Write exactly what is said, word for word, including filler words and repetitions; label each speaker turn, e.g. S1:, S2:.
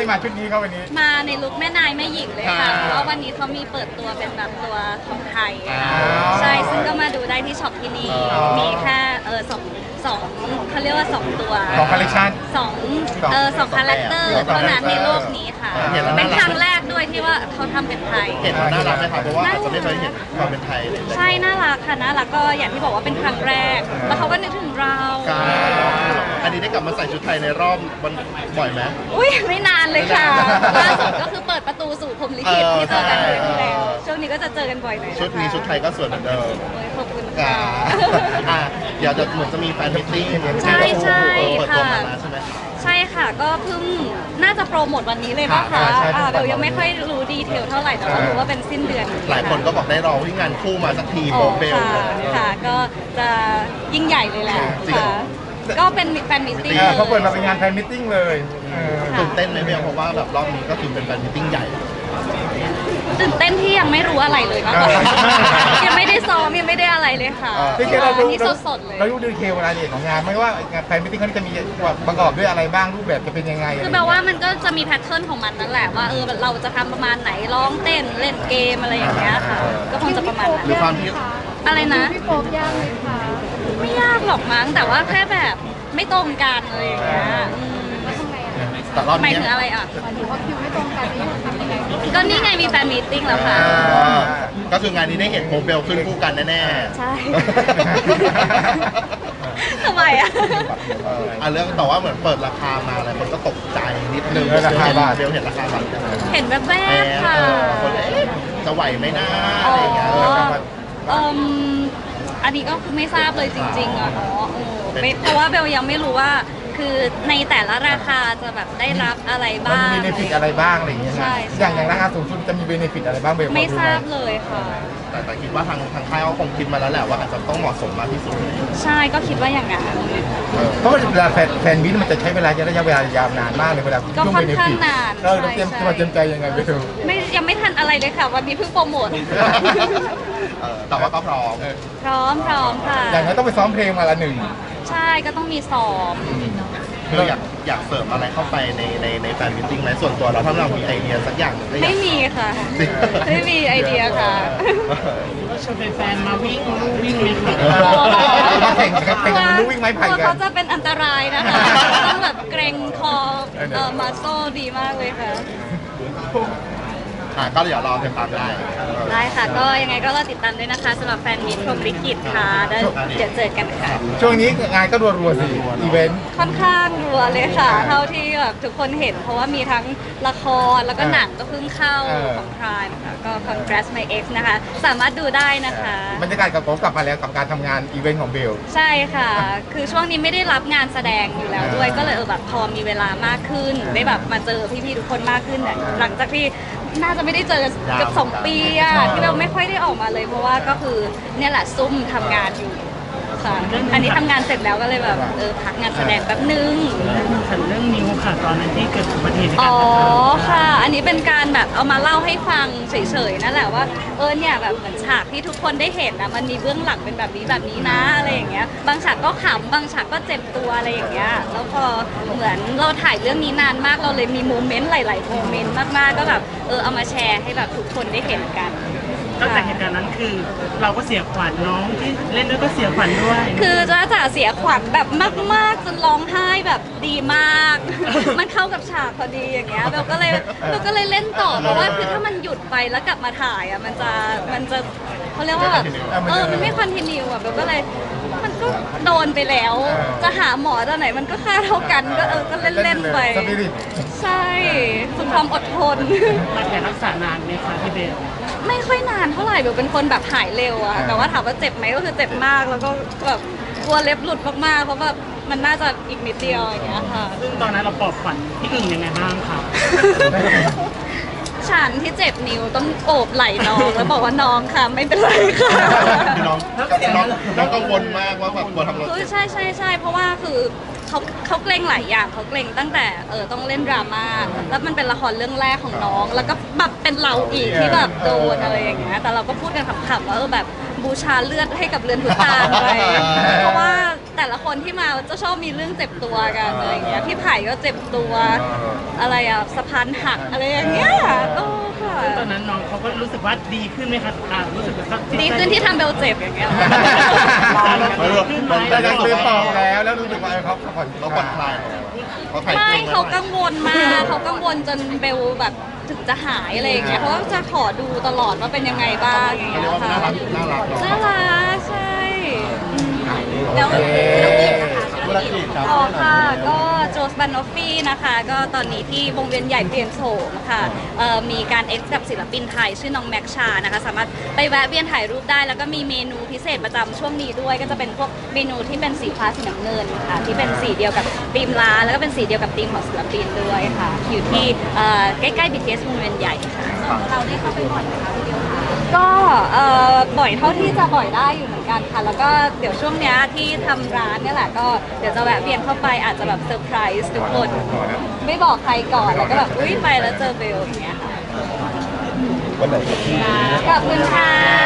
S1: มาชุดนี้เขาวันนี้
S2: มาในลุคแม่นายแม่หญิงเลยค่ะเพราะว่าวันนี้เขามีเปิดตัวเป็นแบบตัวของไทยใช่ซึ่งก็มาดูได้ที่ช็อปที่นี่มีแค่เออสองสองเขาเรียกว่าสองตัว
S1: สองคอลเลคชัน
S2: สองเออสองคาแรคเตอร์เท่านั้นในโลกนี้ค่ะเป็นครั้งแรกด้วยที่ว่าเขาทำเป็นไทย
S3: เห็นมันน่ารักไหมครับเพราะว่าอาจจะไม่เคยเห็นความเป็นไทยเลย
S2: ใช่น่ารักค่ะน่ารักก็อย่างที่บอกว่าเป็นครั้งแรกแล้วเขาก็นึกถึงเรา
S3: อันนี้ได้กลับมาใส่ชุดไทยในรอบมันบ่อยไหม
S2: อุ้ยไม่นานเลยค่ะล่าสุดก็คือเปิดประตูสู่พรหมลิขิตที่เจอกันเลยที่แล้วช่วงนี้ก็จะเจอกันบ่อยหน่อย
S3: ชุดนี้ชุดไทยก็สวยเหมือนเดิม
S2: ขอบคุณค่ะ
S3: เดี๋ยวจะเหมือนจะมีแฟนมิตติ้ง
S2: ใช่ใช่ค่ะ
S3: ใช่ไหม
S2: ใช่ค่ะก็เพิ่งน่าจะโปรโมทวันนี้เลยป่ะคะเบลยังไม่ค่อยรู้ดีเทลเท่าไหร่แต่ว่ารู้ว่าเป็นสิ้นเดือน
S3: หลายคนก็บอกได้รอวิ่งงานคู่มาสักทีโบเบล
S2: ค่ะก็จะยิ่งใหญ่เลยแหละค่ะก็เป็นแฟนมิตติ้ง
S1: เขาเปิดมาเป็นงานแฟนมิตติ้งเลย
S3: ตื่นเต้นไหมเบลเพราะว่าแบบรอบนี้ก็คือเป็นแฟนมิตติ้งใหญ่
S2: ตื่นเต้นที่ยังไม่รู้อะไรเลยมากกว่ายังไม่ได้ซ้อมยังไม่ได้อะไรเลยค่ะ
S1: อัน
S2: นี้สดๆเลย
S1: เราดูดีเทลรายละเอียดของงานไม่ว่าแฟนมิตติ้งเขาจะมีประกอบด้วยอะไรบ้างรูปแบบจะเป็นยังไง
S2: คือแปลว่ามันก็จะมีแพทเทิร์นของมันนั่นแหละว่าเออเราจะทำประมาณไหนร้องเต้นเล่นเกมอะไรอย่างเงี้ยค่ะก็คงจะประมาณนั้น
S3: หรือความที่
S2: อะไรนะ
S4: พี่โป๊ปยากเลยค่ะ
S2: ไม่ยากหรอกมั้งแต่ว่าแค่แบบไม่ตรงกันอะไรอย่างเงี้ย
S3: แต่รอบนี้
S2: หมายถึงอะไรอ่ะ
S4: หมายถึงว่าคิวไม่ตรงกันนี่ทำยังไง
S2: ก็นี่ไงมีแฟนมีตติ้งแล้วค่ะ
S3: ก็คืองานนี้ได้เห็นโมเบลขึ้นคู่กันแน่ๆ
S2: ใช่ทำไมอ่ะ
S3: อ่ะเรื่องแต่ว่าเหมือนเปิดราคามาอะไรคนก็ตกใจนิดนึง
S1: ราคาบาท
S3: เบลเห็นราคาบาท
S2: เห็นแบบแวบค่ะ
S3: คนจะไหวไหมนะอะไรอย่างเงี้ย
S2: อันนี้ก็คือไม่ทราบเลยจริงๆอ่ะเนาะเพราะว่าเบลยังไม่รู้ว่าคือในแต่ละราคาจะแบบได้รับอะไรบ้าง
S1: มีเบนฟิตอะไรบ้างอะไรอย่างเงี้ยนะอย่างอย่างราคาสูงสุดจะมีเบนฟิตอะไรบ้างเบล
S2: ไม่ทราบเลยค่ะ
S3: แต่แต่คิดว่าทางทางค่ายเขาคงคิดมาแล้วแหละว่าอาจจะต้องเหมาะสมมากที่สุด
S2: ใช่ก็คิดว่าอย่างนั้น
S1: เพราะว่าเวลาแฟนแฟนมิตมันจะใช้เวลาระยะเวลายาวนานมากเลยเวลา
S2: ก็ค่อนข้างนาน
S1: เราเตรียมตัวเตรียมใจยังไงไปดู
S2: ไม่ยังไม่ทันอะไรเลยค่ะวันนี้เพิ่งโปรโมท
S3: แต่ว่าก็พร้อม
S2: พร้อมพร้อมค่ะ
S1: อย่างนั้นต้องไปซ้อมเพลงมาละหนึ่ง
S2: ใช่ก็ต้องมีซ้อม
S3: คืออยากอยากเสริมอะไรเข้าไปในในในแฟนมิตติ้งไหมส่วนตัวเราถ้าเรามีไอเดียสักอย่าง
S2: ไม่มีค่ะไม่มีไอเดียค่ะ
S5: ชวนแฟนมาวิ่งวิ่งไหมคะ
S1: มาแข่งแข่งกันวิ่งไม้ไผ่กัน
S2: เขาจะเป็นอันตรายนะคะต้องแบบเกรงคอเอ่อมาโซ่ดีมากเลยค่ะ
S3: ก็เดี๋ยวรอติดตามได้
S2: ได้ค่ะก็ยังไงก็รอติดตามด้วยนะคะสำหรับแฟนมิตรพรหมลิขิตค่ะเดี๋ยวเจอกันค่ะ
S1: ช่วงนี้งานก็รัวๆสิอีเวนต์
S2: ค่อนข้างรัวเลยค่ะเท่าที่แบบทุกคนเห็นเพราะว่ามีทั้งละครแล้วก็หนังก็เพิ่งเข้าของพรายค่ะก็ Congrats My Ex นะคะสามารถดูได้นะคะ
S1: บรรยากาศกับผมกลับมาแล้วกับการทำงานอีเวนต์ของเบล
S2: ใช่ค่ะคือช่วงนี้ไม่ได้รับงานแสดงอยู่แล้วด้วยก็เลยเออแบบพอมีเวลามากขึ้นได้แบบมาเจอพี่ๆทุกคนมากขึ้นหลังจากที่น่าจะไม่ได้เจอเกือบสองปีอะที่เราไม่ค่อยได้ออกมาเลยเพราะว่าก็คือเนี่ยแหละซุ่มทำงานอยู่ค่ะอันนี้ทำงานเสร็จแล้วก็เลยแบบเออพักงานแสดงแป๊บนึง
S5: ฉันเรื่องนิ้วค่ะตอนนั้นที่เกิดอุบัติเหตุ
S2: อ๋อค่ะอันนี้เป็นการแบบเอามาเล่าให้ฟังเฉยๆนั่นแหละว่าเออเนี่ยแบบเหมือนฉากที่ทุกคนได้เห็นนะมันมีเบื้องหลังเป็นแบบนี้แบบนี้นะอะไรอย่างเงี้ยบางฉากก็ขำบางฉากก็เจ็บตัวอะไรอย่างเงี้ยแล้วพอเหมือนเราถ่ายเรื่องนี้นานมากเราเลยมีโมเมนต์หลายๆโมเมนต์มากๆก็แบบเออเอามาแชร์ให้แบบทุกคนได้เห็นกัน
S5: ตั้งแต่เหตุการณ์นั้นคือเราก็เสียขวัญน้องที่เล่นด้วยก็เสียขวัญด้วย
S2: คือจ้าจ๋าเสียขวัญแบบมากๆจนร้องไห้แบบดีมากมันเข้ากับฉากพอดีอย่างเงี้ยเราก็เลยเราก็เลยเล่นต่อเพราะว่าคือถ้ามันหยุดไปแล้วกลับมาถ่ายอ่ะมันจะมันจะเขาเรียกว่าแบบเออมันไม่คอนทินิวอ่ะเราก็เลยมันก็โดนไปแล้วจะหาหมอตอนไหนมันก็ค่าเท่ากันก็เออก็เล่นเล่นไปใช่สุดความอดทน
S5: มาแผนรักษานานไหมคะพี่เบล
S2: ไม่ค่อยนานเท่าไหร่เบลเป็นคนแบบหายเร็วอะแต่ว่าถามว่าเจ็บไหมก็คือเจ็บมากแล้วก็แบบกลัวเล็บหลุดมากๆเพราะแบบมันน่าจะอีกนิดเดียวอย่างเงี้ยค่ะ
S5: ซึ่งตอนนั้นเราปลอบขวัญพี่อึ่งยังไงบ้างคะ
S2: ฉันที่เจ็บนิ้วต้องโอบไหล่น้องแล้วบอกว่าน้องค่ะไม่เป็นไรค่ะ
S3: น้องน้องน้องกังวลมากว่าแบบกลัวทำอะไร
S2: คือใช่ใช่ใช่เพราะว่าคือเขาเขาเกรงหลายอย่างเขาเกรงตั้งแต่เออต้องเล่นดราม่าแล้วมันเป็นละครเรื่องแรกของน้องแล้วก็แบบเป็นเราอีกที่แบบโดนอะไรอย่างเงี้ยแต่เราก็พูดกันขำๆว่าเออแบบบูชาเลือดให้กับเรือนพุตานไปเพราะว่าแต่ละคนที่มาจะชอบมีเรื่องเจ็บตัวกันอะไรอย่างเงี้ยพี่ไผ่ก็เจ็บตัวอะไรอะสะพานหักอะไรอย่างเงี้ยโอ้ค่ะ
S5: ซึ่งตอนนั้นน้องเขาก็รู้สึกว่าดีขึ้นไหมคะอ่ารู้สึกว่า
S2: ดีขึ้นที่ทำเบลเจ็บอย่างเงี้ย
S1: แต่ยังซื้อต่อแล้วแล้วรู้สึกว่าเขาผ่อน
S3: เขาผ่อนคลายเขาถ่าย
S2: ไม่
S3: เพลง
S2: เขากังวลมากเขากังวลจนเบลแบบถึงจะหายอะไรอย่างเงี้ยเพราะว่าจะขอดูตลอดว่าเป็นยังไงบ้างอย่าง
S3: เขา
S2: เงี้
S3: เรีย
S2: ย
S3: กว่า
S2: ค่ะ
S3: น่ารักน่ารักเนาะ
S2: น่ารักใช่
S1: แล้ว
S3: ธุรกิจครับ
S2: อ๋อค่ะก็โจสบันนอฟฟี่นะคะก็ตอนนี้ที่วงเวียนใหญ่เปลี่ยนโฉมค่ะเอ่อมีการเอ็กซ์กับศิลปินไทยชื่อน้องแม็กชานะคะสามารถไปแวะเวียนถ่ายรูปได้แล้วก็มีเมนูพิเศษประจำช่วงนี้ด้วย ก็จะเป็นพวกเมนูที่เป็นสีฟ้าสีน้ำเงินค่ะที่เป็นสีเดียวกับธีมร้านแล้วก็เป็นสีเดียวกับธีมของศิลปินด้วยค่ะอยู่ที่เอ่อใกล้ๆ บี ที เอส วงเวียนใหญ่ค่ะเราได้เข้าไปบ่อยไหมคะพี่เดียวคะก็เอ่อบ่อยเท่าที่จะบ่อยได้อยู่เหมือนกันค่ะแล้วก็เดี๋ยวช่วงเนี้ยที่ทำร้านเนี่ยแหละก็เดี๋ยวจะแวะเวียนเข้าไปอาจจะแบบเซอร์ไพรส์ทุกคนไม่บอกใครก่อนแล้วก็แบบอุ้ยไปแล้วเจอเบลอย่างเงี้ยค่ะ
S1: วันไหน
S2: ขอบคุณค่ะ